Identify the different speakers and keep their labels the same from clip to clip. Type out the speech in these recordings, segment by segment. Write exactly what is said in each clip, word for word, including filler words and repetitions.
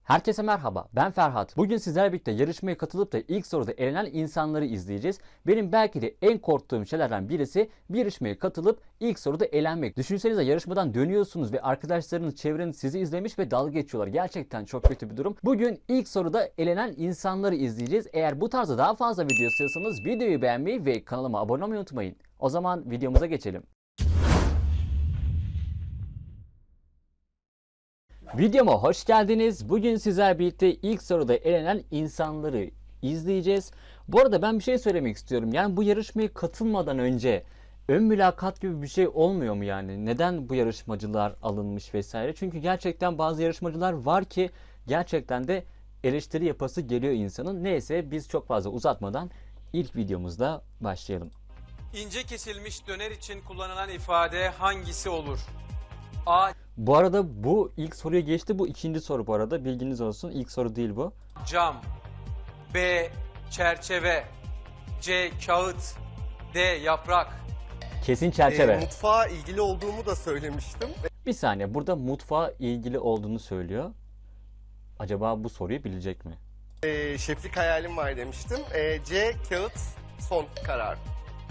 Speaker 1: Herkese merhaba, ben Ferhat. Bugün sizlerle birlikte yarışmaya katılıp da ilk soruda elenen insanları izleyeceğiz. Benim belki de en korktuğum şeylerden birisi bir yarışmaya katılıp ilk soruda elenmek. Düşünsenize, yarışmadan dönüyorsunuz ve arkadaşlarınız, çevreniz sizi izlemiş ve dalga geçiyorlar. Gerçekten çok kötü bir durum. Bugün ilk soruda elenen insanları izleyeceğiz. Eğer bu tarzda daha fazla video istiyorsanız videoyu beğenmeyi ve kanalıma abone olmayı unutmayın. O zaman videomuza geçelim. Videoma hoş geldiniz. Bugün sizlerle birlikte ilk soruda elenen insanları izleyeceğiz. Bu arada ben bir şey söylemek istiyorum. Yani bu yarışmaya katılmadan önce ön mülakat gibi bir şey olmuyor mu yani? Neden bu yarışmacılar alınmış vesaire? Çünkü gerçekten bazı yarışmacılar var ki gerçekten de eleştiri yapası geliyor insanın. Neyse, biz çok fazla uzatmadan ilk videomuzda başlayalım.
Speaker 2: İnce kesilmiş döner için kullanılan ifade hangisi olur? A.
Speaker 1: Bu arada bu ilk soruya geçti. Bu ikinci soru bu arada. Bilginiz olsun. İlk soru değil bu.
Speaker 2: Cam. B. Çerçeve. C. Kağıt. D. Yaprak.
Speaker 1: Kesin çerçeve.
Speaker 3: E, mutfağa ilgili olduğumu da söylemiştim.
Speaker 1: Bir saniye, burada mutfağa ilgili olduğunu söylüyor. Acaba bu soruyu bilecek mi?
Speaker 3: E, şeflik hayalim var demiştim. E, C. Kağıt son karar.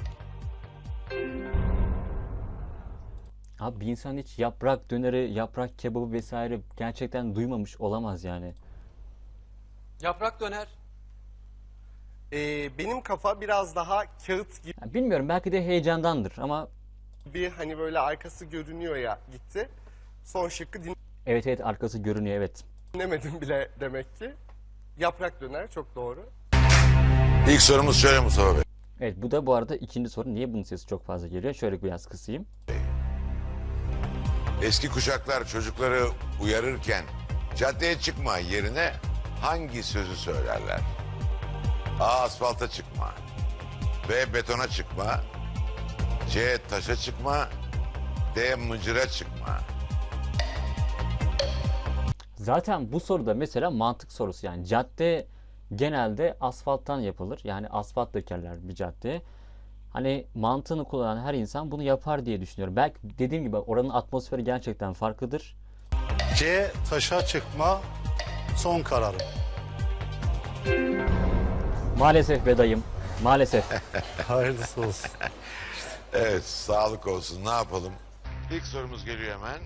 Speaker 1: Abi, bir insan hiç yaprak döneri, yaprak kebabı vesaire gerçekten duymamış olamaz yani.
Speaker 2: Yaprak döner.
Speaker 3: E, benim kafa biraz daha kağıt
Speaker 1: Ya bilmiyorum, belki de heyecandandır ama
Speaker 3: gibi, hani böyle arkası görünüyor ya, gitti. Son şıkkı
Speaker 1: evet evet, arkası görünüyor, evet.
Speaker 3: dinlemedim bile demek ki. Yaprak döner çok doğru.
Speaker 4: İlk sorumuz şöyle Mustafa Bey.
Speaker 1: Evet, bu da bu arada ikinci soru. Niye bunun sesi çok fazla geliyor? Şöyle biraz kısayım.
Speaker 4: Eski kuşaklar çocukları uyarırken caddeye çıkma yerine hangi sözü söylerler? A. Asfalta çıkma. B. Betona çıkma. C. Taşa çıkma. D. Mıcıra çıkma.
Speaker 1: Zaten bu soruda mesela mantık sorusu, yani cadde genelde asfalttan yapılır. Yani asfalt dökerler bir caddeye. Hani mantığını kullanan her insan bunu yapar diye düşünüyorum. Belki dediğim gibi oranın atmosferi gerçekten farklıdır.
Speaker 5: C. Taşa çıkma son kararım.
Speaker 1: Maalesef be dayım. Maalesef.
Speaker 5: Hayırlısı olsun.
Speaker 4: Evet, sağlık olsun. Ne yapalım? İlk sorumuz geliyor hemen.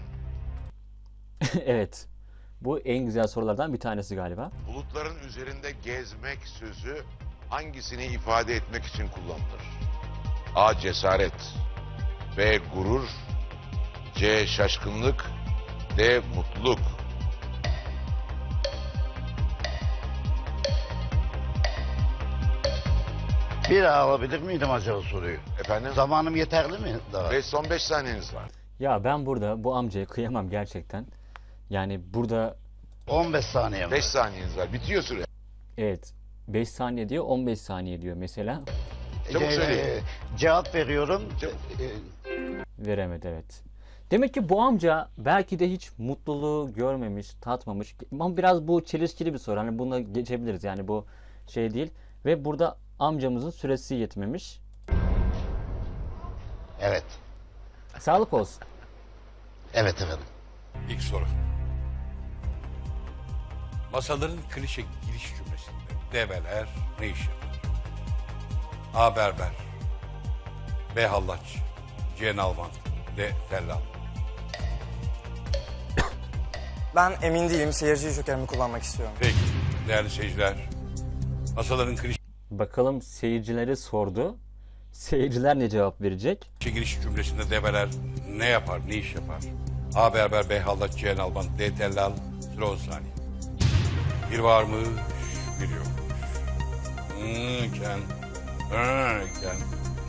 Speaker 1: Evet. Bu en güzel sorulardan bir tanesi galiba.
Speaker 4: Bulutların üzerinde gezmek sözü hangisini ifade etmek için kullanılır? A. Cesaret. B. Gurur. C. Şaşkınlık. D. Mutluluk.
Speaker 6: Bir daha alabilir miydim acaba soruyu?
Speaker 4: Efendim?
Speaker 6: Zamanım yeterli mi daha?
Speaker 4: Ve son beş saniyeniz var.
Speaker 1: Ya ben burada bu amcaya kıyamam gerçekten. Yani burada
Speaker 6: on beş saniye mi?
Speaker 4: beş saniyeniz var. Bitiyor süre.
Speaker 1: evet, beş saniye diyor, on beş saniye diyor mesela.
Speaker 4: Çabuk
Speaker 6: Ce-
Speaker 4: söyleyin.
Speaker 6: e, cevap veriyorum.
Speaker 4: Çabuk.
Speaker 6: E,
Speaker 1: Veremedi, evet. Demek ki bu amca belki de hiç mutluluğu görmemiş, tatmamış. Ama biraz bu çelişkili bir soru. Hani buna geçebiliriz. Yani bu şey değil. Ve burada amcamızın süresi yetmemiş.
Speaker 6: Evet.
Speaker 1: Sağlık olsun.
Speaker 6: Evet efendim.
Speaker 7: İlk soru. Masaların klişe giriş cümlesinde develer ne iş yapar? A. Berber. B. Hallaç. C. Nalbant. D. Tellal.
Speaker 8: Ben emin değilim. Seyirci jokerimi kullanmak istiyorum.
Speaker 7: Peki değerli seyirciler. Masaların klişe
Speaker 1: Bakalım, seyircilere sordu. Seyirciler ne cevap verecek?
Speaker 7: giriş cümlesinde develer ne yapar, ne iş yapar? A. Berber. B. Hallaç. C. Nalbant. D. Tellal. Süre on saniye. Bir varmış, bir yokmuş. Hmm, ken. Hmm, ken.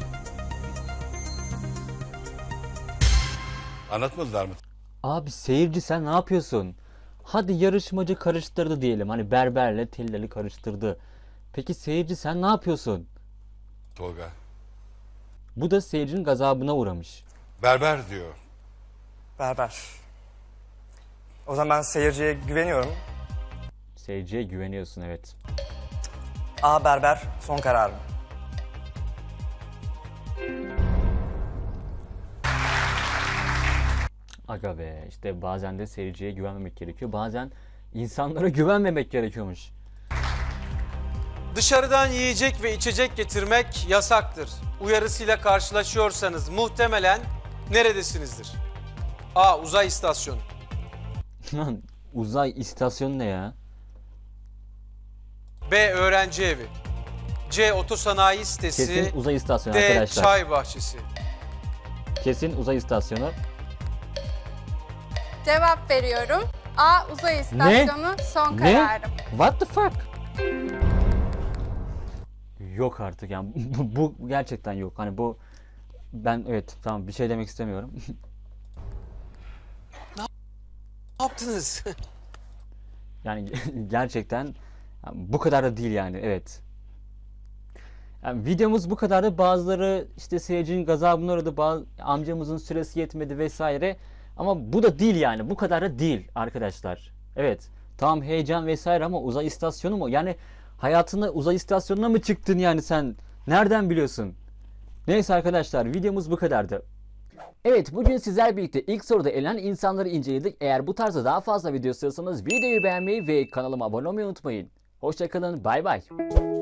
Speaker 7: Anlatmadılar mı?
Speaker 1: Abi seyirci, sen ne yapıyorsun? Hadi yarışmacı karıştırdı diyelim. Hani berberle tellali karıştırdı. Peki seyirci, sen ne yapıyorsun?
Speaker 7: Tolga.
Speaker 1: Bu da seyircinin gazabına uğramış.
Speaker 7: Berber diyor.
Speaker 8: Berber. O zaman ben seyirciye güveniyorum.
Speaker 1: Seyirciye güveniyorsun, evet.
Speaker 8: A. Berber son kararım.
Speaker 1: Aga be, işte bazen de seyirciye güvenmemek gerekiyor. Bazen İnsanlara güvenmemek gerekiyormuş.
Speaker 2: Dışarıdan yiyecek ve içecek getirmek yasaktır. Uyarısıyla karşılaşıyorsanız muhtemelen neredesinizdir? A. Uzay istasyonu.
Speaker 1: Lan uzay istasyonu ne ya?
Speaker 2: B. Öğrenci evi. C. Otosanayi sitesi.
Speaker 1: Kesin uzay istasyonu
Speaker 2: D.
Speaker 1: arkadaşlar.
Speaker 2: Çay bahçesi.
Speaker 1: Kesin uzay istasyonu.
Speaker 9: Cevap veriyorum. A. Uzay istasyonu son
Speaker 1: Ne?
Speaker 9: kararım.
Speaker 1: What the fuck? Yok artık yani bu, bu gerçekten yok. Hani bu ben evet tamam bir şey demek istemiyorum.
Speaker 2: Ne yaptınız?
Speaker 1: Yani gerçekten yani bu kadar da değil yani evet. Yani videomuz bu kadardı. Bazıları işte seyircinin gazabına uğradı. Bazı amcamızın süresi yetmedi vesaire. Ama bu da değil yani. Bu kadar da değil arkadaşlar. Evet. Tamam heyecan vesaire ama uzay istasyonu mu? Yani hayatında uzay istasyonuna mı çıktın yani sen? Nereden biliyorsun? Neyse arkadaşlar videomuz bu kadardı. Evet bugün sizlerle birlikte ilk soruda elenen insanları inceledik. Eğer bu tarzda daha fazla video istiyorsanız videoyu beğenmeyi ve kanalıma abone olmayı unutmayın. Hoşçakalın bay bay.